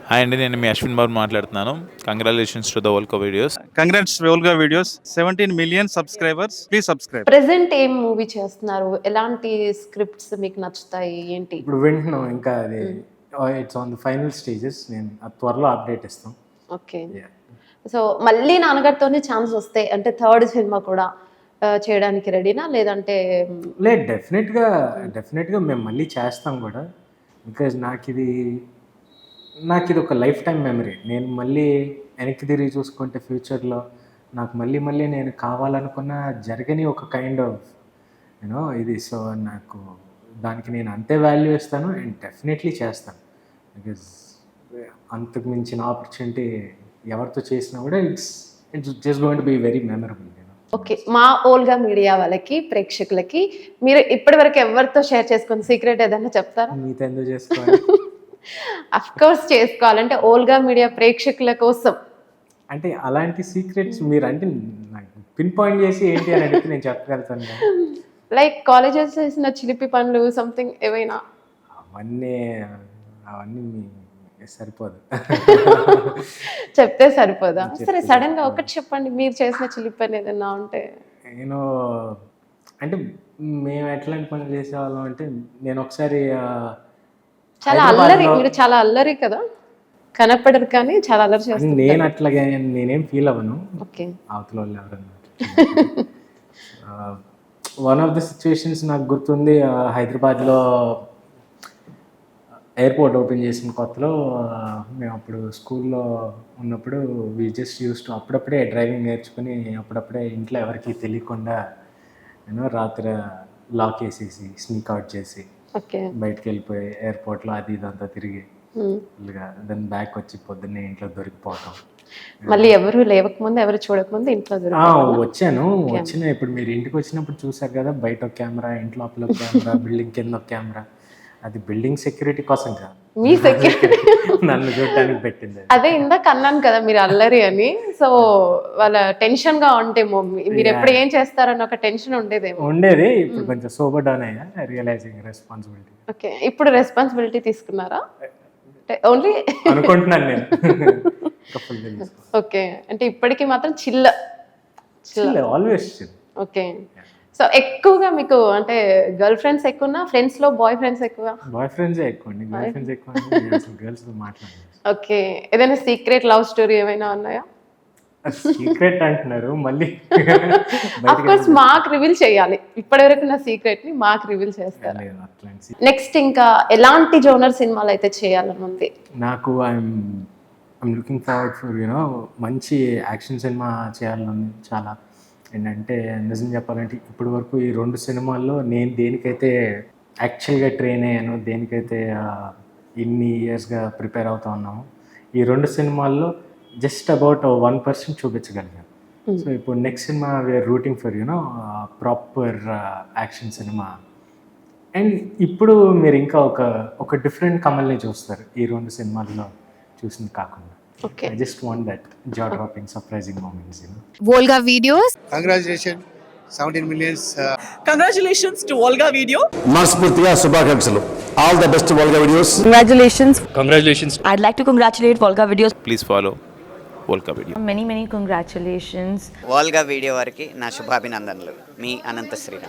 Hi అండి, నేను మీ అశ్విన్ బాబు మాట్లాడుతున్నాను. Congratulations to the Volga videos. Congrats Volga videos 17 million subscribers. Please subscribe. Present ఏం movie చేస్తున్నారు? ఎలాంటి స్క్రిప్ట్స్ మీకు నచ్చుతాయి ఏంటి? ఇప్పుడు వింటున్నాం ఇంకా అది it's on the final stages. నేను త్వరలో అప్డేట్ ఇస్తాం. ఓకే. సో మళ్ళీ నాన్నగారితోనే ఛాన్స్ వస్తే అంటే థర్డ్ సినిమా కూడా చేయడానికి రెడీనా లేదంటే? లేదు, డెఫినెట్గా మేము మళ్ళీ చేస్తాం కూడా. బికాజ్ నాకు ఇది ఒక లైఫ్ టైం మెమరీ. నేను మళ్ళీ వెనక్కి తిరిగి చూసుకుంటే ఫ్యూచర్లో నాకు మళ్ళీ నేను కావాలనుకున్న జరగని ఒక కైండ్ ఆఫ్ యూనో ఇది. సో నాకు దానికి నేను అంతే వాల్యూ ఇస్తాను అండ్ డెఫినెట్లీ చేస్తాను. బికాజ్ అంతకు మించిన ఆపర్చునిటీ ఎవరితో చేసినా కూడా it's just going to be very memorable. Okay. మా ఓల్గా మీడియా వాళ్ళకి ప్రేక్షకులకి మీరు ఇప్పటివరకు ఎవరితో షేర్ చేసుకున్న సీక్రెట్ ఏదైనా చెప్తారా? మీతో ఎందుకు చేసుకోవాలి? అఫ్ కోర్స్ చేసుకోవాలంటే ఓల్గా మీడియా ప్రేక్షకుల కోసం. అంటే అలాంటి సీక్రెట్స్ మీరు అంటే నాకు పిన్ పాయింట్ చేసి ఏంటి అని అడిగితే నేను చెప్పగలుగుతాను. లైక్ కాలేజెస్ చేసిన చిలిపి పనులు సంథింగ్ ఏవైనా? అవన్నీ సరిపోదు. చెప్తే సరిపోదా? సరే, సడన్ గా ఒకటి చెప్పండి, మీరు చేసిన చిలిపి పని ఏదైనా ఉంటే. నేను అంటే మేము ఎట్లాంటి పనులు చేసేవాళ్ళం అంటే నేను ఒకసారి చాలా అల్లరి, మీరు చాలా అల్లరి కదా, కనపడరు కానీ చాలా అల్లరి చేస్తారు. నేను అట్లాగే నేనేం ఫీల్ అవ్వను. ఓకే. అవతల వాళ్ళు ఎవరన్నా వన్ ఆఫ్ ద సిచ్యువేషన్స్ నాకు గుర్తుంది. హైదరాబాద్లో ఎయిర్పోర్ట్ ఓపెన్ చేసిన కొత్తలో మేము అప్పుడు స్కూల్లో ఉన్నప్పుడు వి జస్ట్ యూస్ టు అప్పుడప్పుడే డ్రైవింగ్ నేర్చుకుని అప్పుడప్పుడే ఇంట్లో ఎవరికి తెలియకుండా నేను రాత్రి లాక్ వేసేసి స్నీక్ అవుట్ చేసి బయటకు వెళ్ళిపోయి ఎయిర్పోర్ట్లో అది ఇదంతా తిరిగి ఫుల్గా దాని బ్యాక్ వచ్చి పొద్దున్నే ఇంట్లో దొరికిపోవటం. మళ్ళీ ఎవరు లేవకముందు ఎవరు చూడకముందు ఇంట్లో వచ్చిన ఇప్పుడు మీరు ఇంటికి వచ్చినప్పుడు చూసారు కదా, బయట ఒక కెమెరా, ఇంట్లో లోపల ఒక కెమెరా, బిల్డింగ్ కింద ఒక కెమెరా. అది బిల్డింగ్ సెక్యూరిటీ కోసం కాదు, మీ సెక్యూరిటీ నన్ను చూడటానికి పెట్టింది. అదే ఇందాక అన్నాను కదా మీరు అల్లరి అని. సో వాళ్ళ టెన్షన్ గా ఉంటేమో మీరు ఎప్పుడు ఏం చేస్తారని ఒక టెన్షన్ ఉండేది. ఇప్పుడు కొంచెం సోబర్ డౌన్ అయ్యా, రియలైజింగ్ రెస్పాన్సిబిలిటీ. ఓకే. ఇప్పుడు రెస్పాన్సిబిలిటీ తీసుకున్నారా? ఓన్లీ అనుకుంటున్నాను నేను. ఓకే. అంటే ఇప్పటికీ మాత్రం chill always chill. Okay. So ఎక్కువగా మీకు అంటే గర్ల్ ఫ్రెండ్స్ ఎక్కువనా, ఫ్రెండ్స్ లో బాయ్ ఫ్రెండ్స్ ఎక్కువ? బాయ్ ఫ్రెండ్స్ ఎక్కువ అండి, గర్ల్ ఫ్రెండ్స్ ఎక్కువ. గర్ల్స్ తో మాట్లాడాలి. ఓకే. ఏదైనా సీక్రెట్ లవ్ స్టోరీ ఏమైనా ఉన్నాయా? సీక్రెట్ అంటున్నారు మళ్ళీ. ఆఫ్ కోర్స్ మాకు రివీల్ చేయాలి. ఇప్పటివరకు నా సీక్రెట్ ని మాకు రివీల్ చేస్తారు. నెక్స్ట్ ఇంకా ఎలాంటి జోనర్ సినిమాలు అయితే చేయాలని ఉంది? నాకు ఐఎమ్ లుకింగ్ ఫార్వర్డ్ ఫర్ మంచి యాక్షన్ సినిమా చేయాలని చాలా. ఏంటంటే నిజం చెప్పాలంటే ఇప్పటి వరకు ఈ 2 సినిమాల్లో నేను దేనికైతే యాక్చువల్గా ట్రైన్ అయ్యాను, దేనికైతే ఇన్ని ఇయర్స్గా ప్రిపేర్ అవుతా ఉన్నాము, ఈ 2 సినిమాల్లో జస్ట్ అబౌట్ 1% చూపించగలిగాను. సో ఇప్పుడు నెక్స్ట్ సినిమా we're rooting for proper action సినిమా. అండ్ ఇప్పుడు మీరు ఇంకా ఒక డిఫరెంట్ కమల్ని చూస్తారు ఈ 2 సినిమాల్లో చూసింది కాకుండా. Okay. I just want that jaw-dropping, surprising moments, Volga Videos. Congratulations, 17 millions. Congratulations to Volga Video. మనస్ఫూర్తిగా శుభాకాంక్షలు. All the best to Volga Videos. Congratulations. I'd like to congratulate Volga Videos. Please follow Volga video. Many congratulations. Volga video వారికి నా శుభాభినందనలు. మీ అనంత శ్రీరామ్.